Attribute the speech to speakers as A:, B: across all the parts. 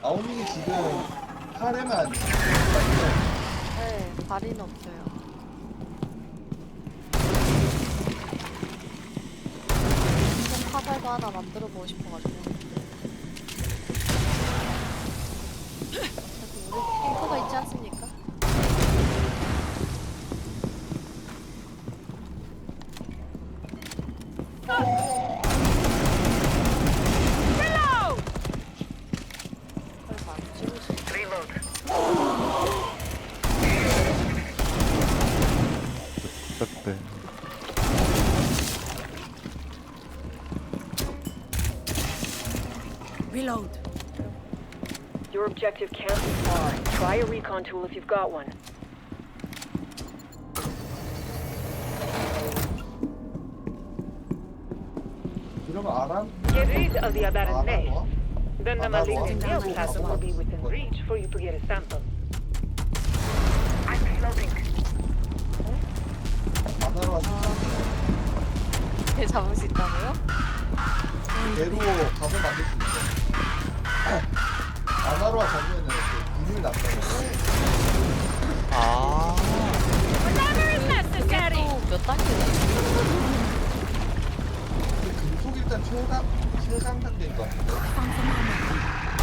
A: 아오님이 지금 카레만
B: 네, 발인 없어요. 카발도 하나 만들어 보고 싶어가지고. 그래도 우리 탱커가 있지 않습니까? 설마 안 찍을 수 있어.
C: 네.
D: Reload.
E: Your objective can't be far. Try a recon tool if you've got one.
A: 그러면 아람?
E: Get rid of the aberrant nest.
A: 아람?
E: Then the
A: Another
E: malignant
A: one.
E: nail plasm will be within reach for you to get a sample. I'm reloading.
A: 아나로
B: 개 잡을 수 있다고요?
A: 대로 밥을 만들 수 있어. 아나로와 잡으면은 그 분율 났다고.
C: 아.
B: 몇 단계지?
A: 금속 일단 최강 단계인 것 같은데.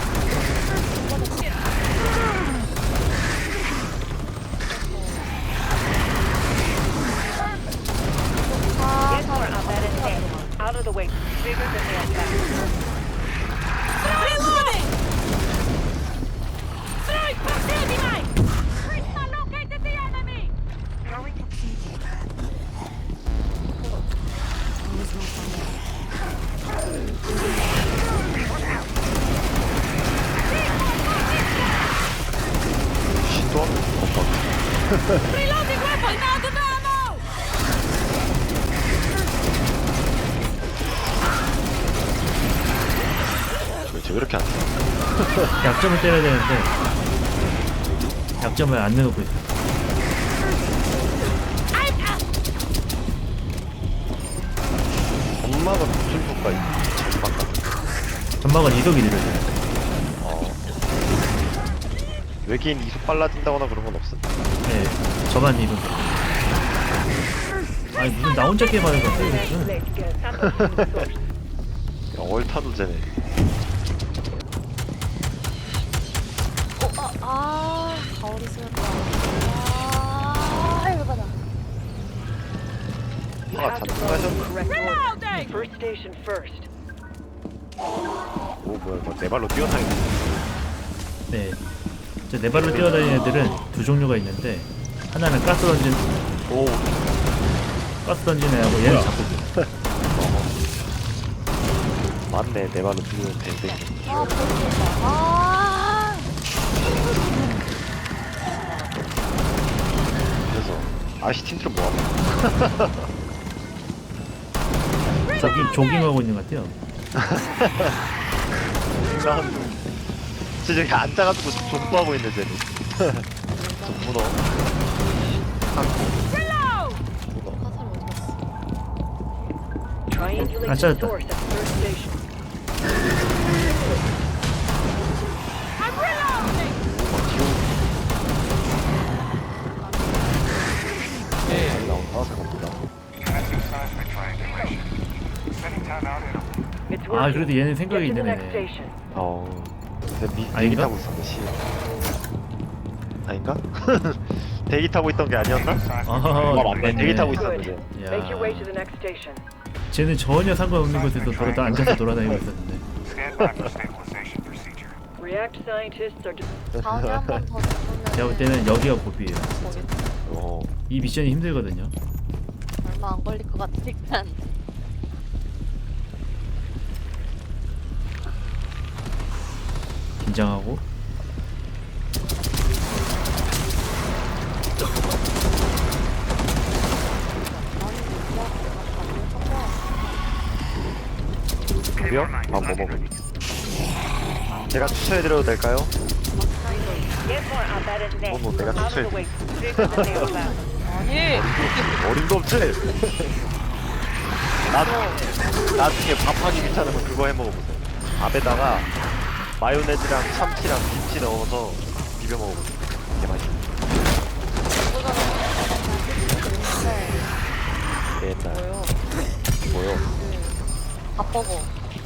E: Get more aberrant nest out of the way. Bigger than nail plasm.
D: Reloading! Throwing proximity mine! Krishna located the enemy!
E: Throwing
C: 시도 없다.
D: Reloading weapon! Out of ammo!
C: 왜 이렇게 안 돼?
F: 약점을 때려야 되는데 약점을 안 내놓고 있어.
C: 엄마가 무슨 효과 전망가?
F: 전막은 이속이 느려져요.
C: 어. 외계인 이속 빨라진다거나 그런 건 없어?
F: 네, 저만 이속. 아니 무슨 나 혼자 게임하는 건데
E: next
F: 무슨?
E: leg to get a sample from the source.
C: 야, 얼타도 쟤네.
B: 가오리 쓰였다. 열받아.
E: You
C: Ah,
E: have to
C: that's
E: follow the
C: nice.
E: correct order.
D: Reloading!
E: First station first.
C: 오 뭐야 뭐 내 발로 뛰어다니네.
F: 네, 네 발로 뛰어다니는 애들은 두 종류가 있는데 하나는 가스 던진
C: 오.
F: 애하고 얘는 잡고
C: 맞네 내 발로 뛰는 댕댕이.
B: 아, 보인다. 아,
C: 그래서 아시틴트로 뭐하나?
F: 조깅하고 있는 것 같아요.
C: 진짜 저기 앉아가지고 존버하고 있네 쟤는. 문어.
D: Reload!
C: 문어.
B: 화살 어디 갔어?
E: Triangulate the
F: 찾았다.
E: source at first station.
D: I'm reloading!
C: 잘 나온다 생각보다.
E: It's
F: 아
E: working.
F: 그래도 얘는 생각이
E: Get to the
F: 있는
E: next
F: 애네.
E: station.
C: 근데 대기
F: 아닌가?
C: 타고 있었네 씨. 아닌가? 대기 타고 있던 게 아니었나?
F: 아
C: 맞네. 대기 타고
E: Good.
C: 있었는데.
E: Make your way to
F: 야,
E: the next station.
F: 쟤는 전혀 상관없는 곳에서 돌아다 앉아서 돌아다니고 있었는데.
G: Stand by for stabilization procedure.
E: React scientists are
B: 다음에 한 번 더 잡으면
F: 제가 볼 때는 여기가 고비예요.
B: 거기
C: 어.
F: 이 미션이 힘들거든요.
B: 얼마 안 걸릴 것 같으니까.
F: 긴장하고.
C: 밥이요? 밥뭐 먹을? 제가 추천해드려도 될까요?
E: get more aberrant nest
C: 뭐 내가
E: out of the
C: 추천해.
E: way. Bigger than nail plasm.
B: 아니,
C: 어림도 없지? 나중에 밥하기 귀찮으면 그거 해 먹어보세요. 밥에다가 마요네즈랑 참치랑 김치 넣어서 비벼 먹으면 되게 맛있어. 옛날
B: 뭐요?
C: 뭐요?
B: 밥버거.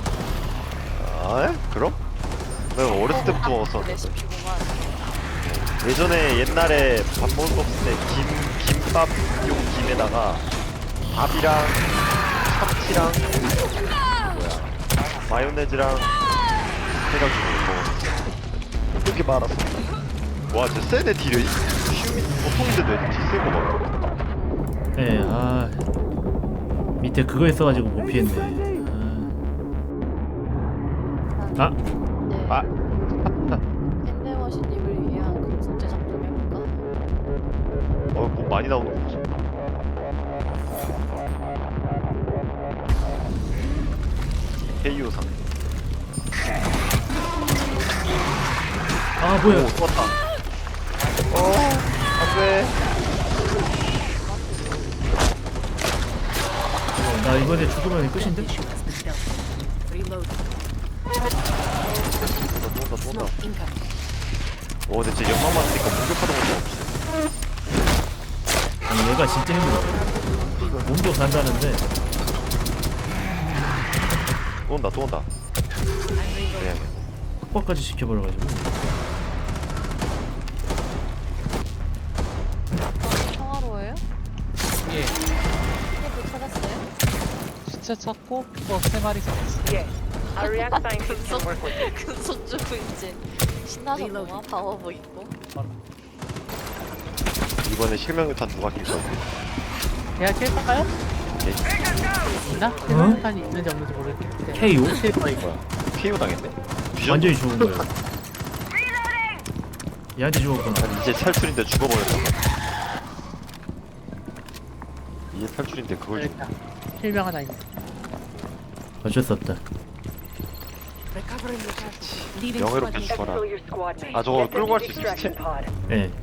C: 아 그럼? 내가 어렸을 때부터 먹었었는데.
B: 레시피구만.
C: 예전에 옛날에 밥 먹을 거 없을 때 김밥용 김에다가 밥이랑 참치랑 뭐야 마요네즈랑 해가지고 먹었어. 그렇게 말았어. 와 진짜 세네 딜이. 보통인데도 애들 딜센거 같아.
F: 예, 아 밑에 그거 있어가지고 못 피했네. 아,
B: 네.
C: 아
B: 캔데머신님을 위한 금속 제작 좀 해볼까?
C: 뭐 많이 나오는 거지. 헤이오상.
F: 아 뭐야?
C: 오, 좋았다. 안돼.
F: 나 이번에 죽으면 끝인데?
C: 쏜다. 오, 근데 진짜 연막 맞으니까 공격하는 것도 없어.
F: 아니 얘가 진짜 힘들어. 몸도 간다는데
C: 또 온다, 또 온다. 그래.
F: 확보까지 시켜버려가지고.
B: 평화로워요?
H: 예,
B: 이것도 찾았어요?
H: 시체 찾고 또 3마리 잡았어.
E: Yes. Our react scientists can work with it.
B: 금속 주고 이제 신나셨구만. 파워보 있고.
C: 이번에 실명유탄 누가 낄 거지?
H: 제가 킬까요?
C: 네.
H: 있나? 실명탄이 있는지 없는지 모르겠는데.
F: KO?
C: 뭐야? 피해고 당했네? 뒤졌네?
F: 완전히 죽은 거예요. 얘한테 죽었구나.
C: 아니, 이제 탈출인데 죽어버렸어. 이제 탈출인데 그걸 죽...
H: 일단 실명 하나 있네.
F: 어쩔 수 없다.
C: 명예롭게 죽어라.
E: Exfil your squad mates.
C: 아, 저거
E: Get them
C: 끌고
E: to
C: 갈 수 있어,
E: extraction
C: 시체?
E: pod.
F: 예.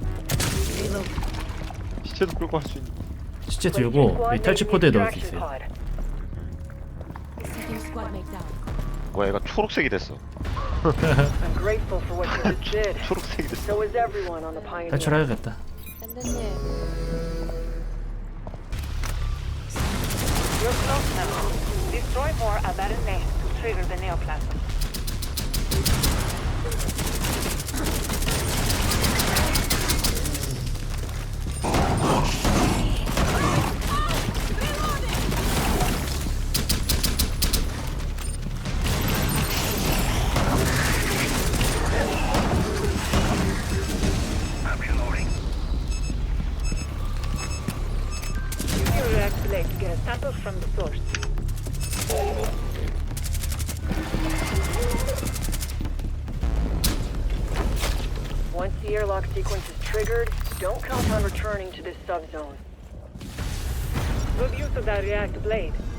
C: 시체도 끌고 갈 수 있는.
F: 시체
E: Place your
F: 들고
E: squad
F: 이
E: mates
F: 탈취
E: in the
F: 포드에 넣을 수
E: extraction
F: 있어요.
E: pod.
C: 뭐야, 얘가 초록색이 됐어.
E: I'm grateful for what you just did.
C: 초록색이 됐어.
E: So is everyone on the Pioneer.
F: 탈출해야겠다.
B: 샌드님,
E: You're close now. Destroy more Abaddon nest to trigger the neoplasm. Use your react blade to get a sample from the source. Once the airlock sequence is triggered, don't count on returning to this subzone. Good use of that react blade.